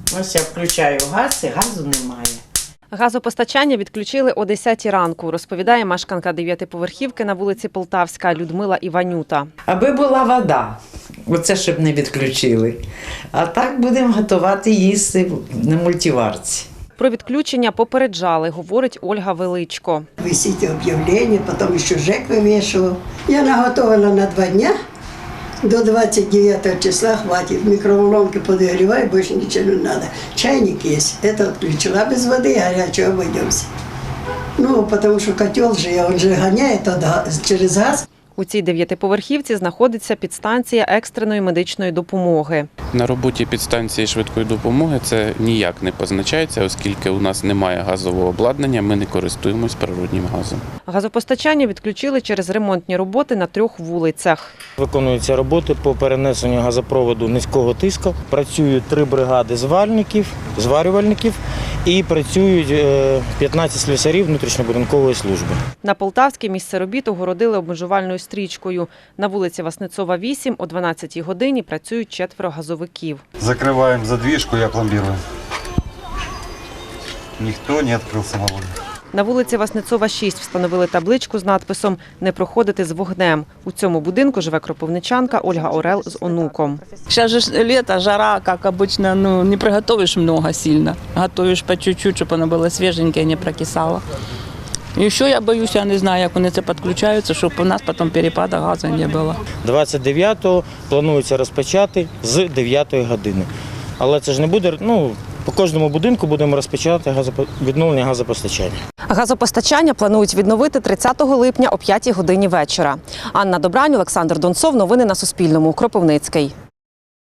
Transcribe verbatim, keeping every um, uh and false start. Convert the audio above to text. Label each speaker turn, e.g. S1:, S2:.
S1: Ось я включаю газ і газу немає.
S2: Газопостачання відключили о десятій ранку, розповідає мешканка дев'ятиповерхівки на вулиці Полтавська Людмила Іванюта.
S1: Аби була вода, оце щоб не відключили. А так будемо готувати їсти на мультиварці.
S2: Про відключення попереджали, говорить Ольга Величко.
S3: Висить об'явлення, потім ще ЖЕК вивішував. Я наготовила на два дні. До двадцять дев'ятого числа хватить. Микроволновки подогревай, больше ничего не надо. Чайник есть. Это отключила без воды, горячего обойдемся. Ну, потому что котел же, он же гоняет через газ.
S2: У цій дев'ятиповерхівці знаходиться підстанція екстреної медичної допомоги.
S4: На роботі підстанції швидкої допомоги це ніяк не позначається, оскільки у нас немає газового обладнання, ми не користуємось природнім газом.
S2: Газопостачання відключили через ремонтні роботи на трьох вулицях.
S5: Виконуються роботи по перенесенню газопроводу низького тиску. Працюють три бригади зварників, зварювальників і працюють п'ятнадцять слюсарів внутрішньобудинкової служби.
S2: На Полтавській місце робіт огородили обмежувальною стрічкою. На вулиці Васнецова, вісім, о дванадцятій годині працюють четверо газовиків.
S6: Закрываем задвижку, я пломбирую. Никто не открыл самовольно.
S2: На вулиці Васнецова, шість встановили табличку з надписом «Не проходити з вогнем». У цьому будинку живе кропивничанка Ольга Орел з онуком.
S7: Сейчас же лето, жара, как обычно, ну, не приготовишь много сильно. Готовишь по чуть-чуть, чтобы оно было свеженькое, не прокисало. І ще я боюся, я не знаю, як вони це підключаються, щоб у нас потім перепаду газу не було.
S5: двадцять дев'ятого планується розпочати з дев'ятої години. Але це ж не буде, ну, по кожному будинку будемо розпочати відновлення газопостачання.
S2: Газопостачання планують відновити тридцятого липня о п'ятій годині вечора. Анна Добрань, Олександр Донцов. Новини на Суспільному. Кропивницький.